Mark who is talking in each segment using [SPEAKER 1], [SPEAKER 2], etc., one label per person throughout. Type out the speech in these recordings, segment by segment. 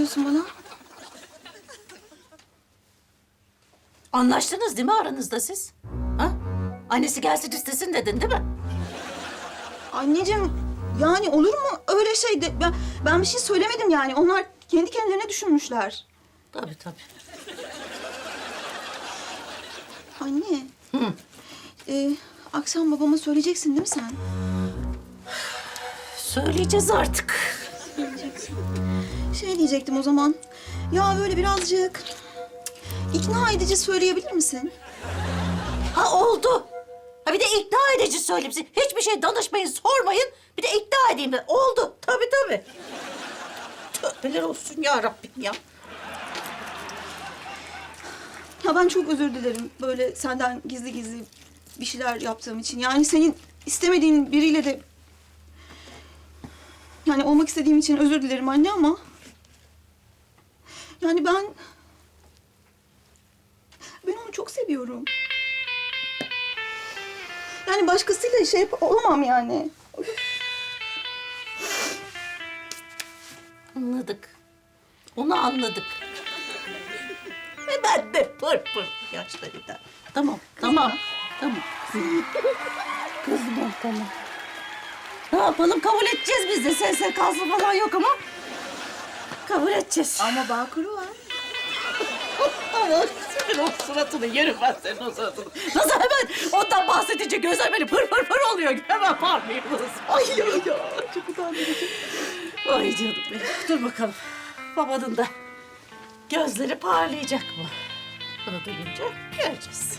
[SPEAKER 1] bakıyorsun bana?
[SPEAKER 2] Anlaştınız değil mi aranızda siz? Ha? Annesi gelsin istesin dedin değil mi?
[SPEAKER 1] Anneciğim, yani olur mu öyle şey? Ben bir şey söylemedim yani. Onlar kendi kendilerine düşünmüşler.
[SPEAKER 2] Tabii tabii.
[SPEAKER 1] Anne. Akşam babama söyleyeceksin değil mi sen?
[SPEAKER 2] Söyleyeceğiz artık.
[SPEAKER 1] Söyleyeceksin. Şey diyecektim o zaman. Ya böyle birazcık ikna edici söyleyebilir misin?
[SPEAKER 2] Ha oldu. Ha bir de ikna edici söyleyeyim size. Hiçbir şey danışmayın, sormayın. Bir de ikna edeyim de. Oldu. Tabii tabii. Tövbeler olsun ya Rabbim ya.
[SPEAKER 1] Ya ben çok özür dilerim böyle senden gizli gizli bir şeyler yaptığım için. Yani senin istemediğin biriyle de... Yani olmak istediğim için özür dilerim anne ama... Yani ben onu çok seviyorum. Yani başkasıyla şey olamam yani.
[SPEAKER 2] Anladık. Onu anladık. Ve ben de pır pır yaşlarıyla. Tamam, tamam, tamam. Kızım tamam. Ne yapalım? Kabul edeceğiz biz de. SSK'sı falan yok ama. Kabul edeceğiz.
[SPEAKER 1] Ama Bağkur'u var.
[SPEAKER 2] Ama sen o suratını yerim ben senin o suratını. Nasıl hemen ondan bahsedince gözler böyle pır pır pır oluyor. Hemen parlıyorsunuz.
[SPEAKER 1] Ay ya çok utandırıcı.
[SPEAKER 2] Ay canım benim. Dur bakalım. Babanın da gözleri parlayacak mı? Bunu duyunca göreceğiz.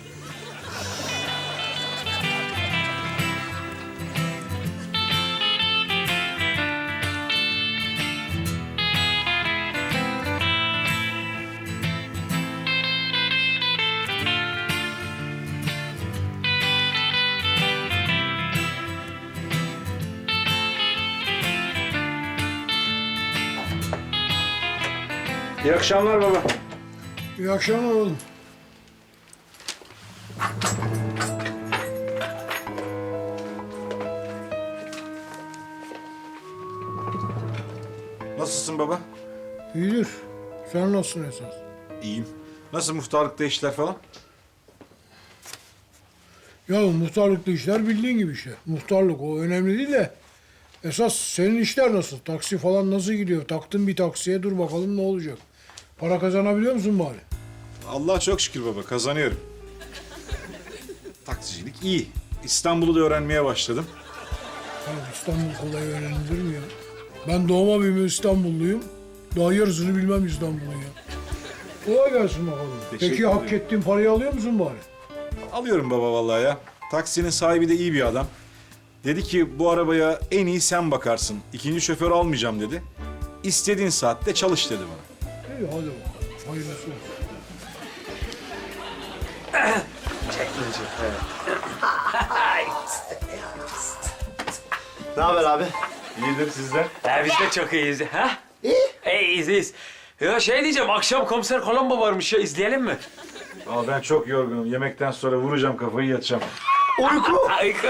[SPEAKER 3] İyi akşamlar baba.
[SPEAKER 4] İyi akşamlar oğlum.
[SPEAKER 3] Nasılsın baba?
[SPEAKER 4] İyidir. Sen nasılsın esas?
[SPEAKER 3] İyiyim. Nasıl muhtarlıkta işler falan?
[SPEAKER 4] Ya muhtarlıkta işler bildiğin gibi işte. Muhtarlık o önemli değil de. Esas senin işler nasıl? Taksi falan nasıl gidiyor? Taktın bir taksiye dur bakalım ne olacak? Para kazanabiliyor musun bari?
[SPEAKER 3] Allah'a çok şükür baba, kazanıyorum. Taksicilik iyi. İstanbul'u da öğrenmeye başladım.
[SPEAKER 4] Ya İstanbul kolay öğrenilir mi ya? Ben doğma büyüme İstanbulluyum. Daha yarısını bilmem İstanbul'un ya. Kolay gelsin bakalım.
[SPEAKER 3] Teşekkür
[SPEAKER 4] Peki hak
[SPEAKER 3] ederim.
[SPEAKER 4] ettiğin parayı alıyor musun bari?
[SPEAKER 3] Alıyorum baba vallahi ya. Taksinin sahibi de iyi bir adam. Dedi ki bu arabaya en iyi sen bakarsın. İkinci şoför almayacağım dedi. İstediğin saatte çalış dedi bana.
[SPEAKER 4] İyi hadi bakalım. Hayırlısı olsun.
[SPEAKER 5] Ne haber abi?
[SPEAKER 3] İyidir sizden.
[SPEAKER 6] Biz de çok iyiyiz. Ha? İyiyiz, iyiyiz. Ya şey diyeceğim, akşam Komiser Columbo varmış ya, izleyelim mi?
[SPEAKER 3] Ama ben çok yorgunum. Yemekten sonra vuracağım kafayı yatacağım.
[SPEAKER 5] Uyku.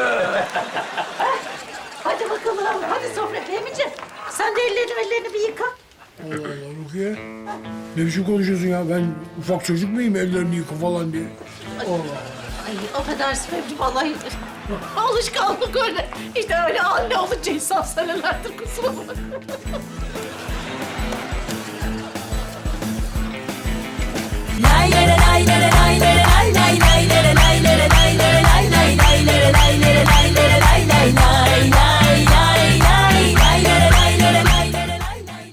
[SPEAKER 2] Hadi bakalım. Hadi sofra Fehmi'ciğim. Sen de ellerini bir yıka.
[SPEAKER 4] Allah Allah Rukiye. Ne biçim konuşuyorsun ya? Ben ufak çocuk muyum ellerini yıka falan diye? Allah.
[SPEAKER 2] Ay affedersin Fehmi'ciğim vallahi. Alışkanlık öyle. İşte öyle anne olunca insan senelerdir kusura bakma.